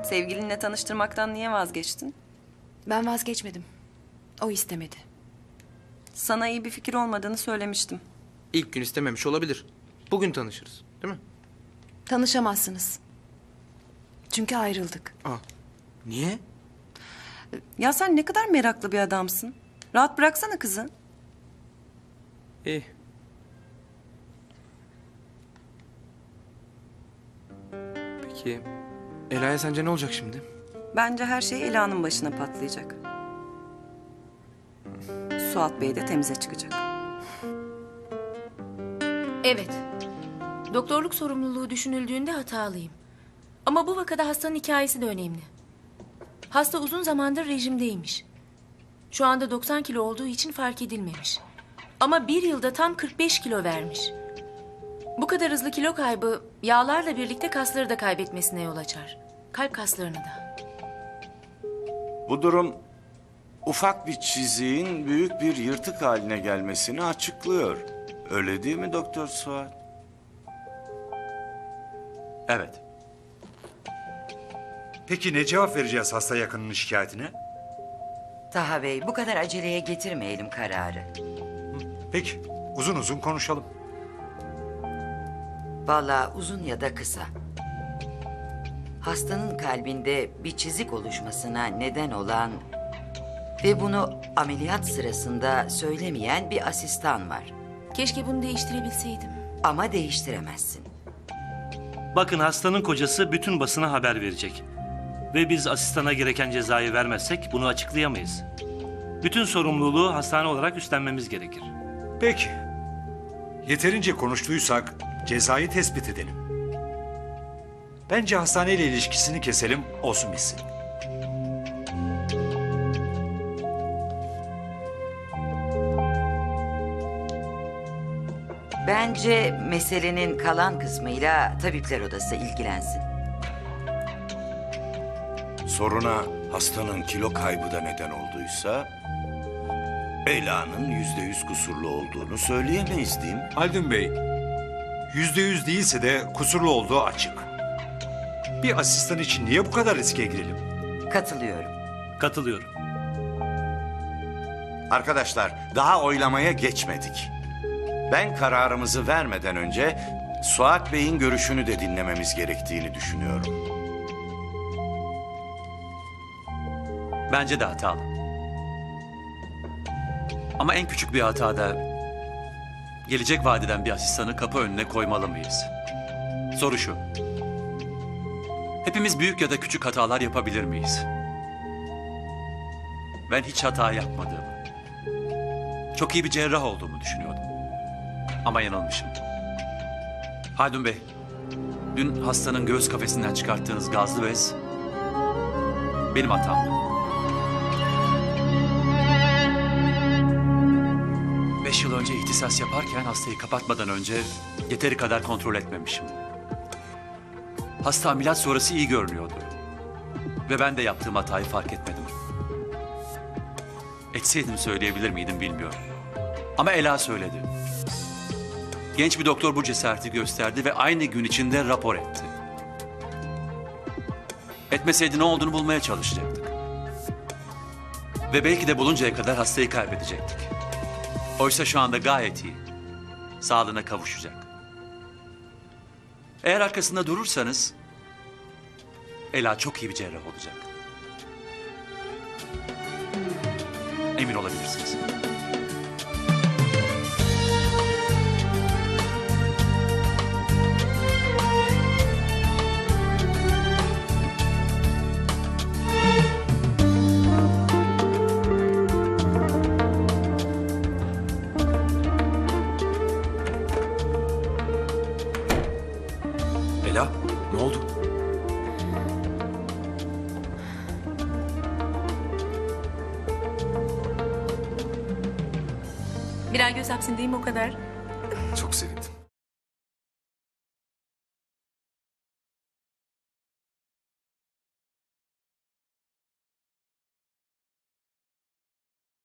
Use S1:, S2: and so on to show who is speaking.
S1: Sevgilinle tanıştırmaktan niye vazgeçtin?
S2: Ben vazgeçmedim. O istemedi.
S1: Sana iyi bir fikir olmadığını söylemiştim.
S3: İlk gün istememiş olabilir. Bugün tanışırız, değil mi?
S2: Tanışamazsınız. Çünkü ayrıldık.
S3: Aa, niye?
S1: Ya sen ne kadar meraklı bir adamsın. Rahat bıraksana kızı.
S3: İyi. Peki, Ela'ya sence ne olacak şimdi?
S1: Bence her şey Ela'nın başına patlayacak. Suat Bey de temize çıkacak.
S4: Evet. Doktorluk sorumluluğu düşünüldüğünde hatalıyım. Ama bu vakada hastanın hikayesi de önemli. Hasta uzun zamandır rejimdeymiş. Şu anda 90 kilo olduğu için fark edilmemiş. Ama bir yılda tam 45 kilo vermiş. Bu kadar hızlı kilo kaybı yağlarla birlikte kasları da kaybetmesine yol açar. Kalp kaslarını da.
S5: Bu durum ufak bir çiziğin büyük bir yırtık haline gelmesini açıklıyor. Öyle değil mi Doktor Suat?
S6: Evet. Peki ne cevap vereceğiz hasta yakınının şikayetine?
S7: Taha Bey, bu kadar aceleye getirmeyelim kararı.
S6: Peki, uzun uzun konuşalım.
S7: Vallahi uzun ya da kısa. Hastanın kalbinde bir çizik oluşmasına neden olan ve bunu ameliyat sırasında söylemeyen bir asistan var.
S4: Keşke bunu değiştirebilseydim.
S7: Ama değiştiremezsin.
S8: Bakın hastanın kocası bütün basına haber verecek. Ve biz asistana gereken cezayı vermezsek bunu açıklayamayız. Bütün sorumluluğu hastane olarak üstlenmemiz gerekir.
S6: Peki. Yeterince konuştuysak cezayı tespit edelim. Bence hastaneyle ilişkisini keselim, olsun bitsin.
S7: Bence meselenin kalan kısmıyla tabipler odası ilgilensin.
S5: Soruna hastanın kilo kaybı da neden olduysa... Ela'nın %100 kusurlu olduğunu söyleyemeyiz değil mi?
S6: Haldun Bey, %100 değilse de kusurlu olduğu açık. Bir asistan için niye bu kadar riske girelim?
S7: Katılıyorum.
S8: Katılıyorum.
S5: Arkadaşlar, daha oylamaya geçmedik. Ben kararımızı vermeden önce Suat Bey'in görüşünü de dinlememiz gerektiğini düşünüyorum.
S9: Bence de hatalı. Ama en küçük bir hatada gelecek vadeden bir asistanı kapı önüne koymalı mıyız? Soru şu. Hepimiz büyük ya da küçük hatalar yapabilir miyiz? Ben hiç hata yapmadığımı, çok iyi bir cerrah olduğumu düşünüyordum. Ama yanılmışım. Haldun Bey, dün hastanın göğüs kafesinden çıkarttığınız gazlı bez benim hatamdı. 5 yıl önce ihtisas yaparken hastayı kapatmadan önce yeteri kadar kontrol etmemişim. Hasta ameliyat sonrası iyi görünüyordu. Ve ben de yaptığım hatayı fark etmedim. Etseydim söyleyebilir miydim bilmiyorum. Ama Ela söyledi. Genç bir doktor bu cesareti gösterdi ve aynı gün içinde rapor etti. Etmeseydi ne olduğunu bulmaya çalışacaktık. Ve belki de buluncaya kadar hastayı kaybedecektik. Oysa şu anda gayet iyi. Sağlığına kavuşacak. Eğer arkasında durursanız Ela çok iyi bir cerrah olacak. Emin olabilirsiniz. Ela, ne oldu?
S4: Bir ay göz hapsindeyim o kadar.
S3: Çok sevindim.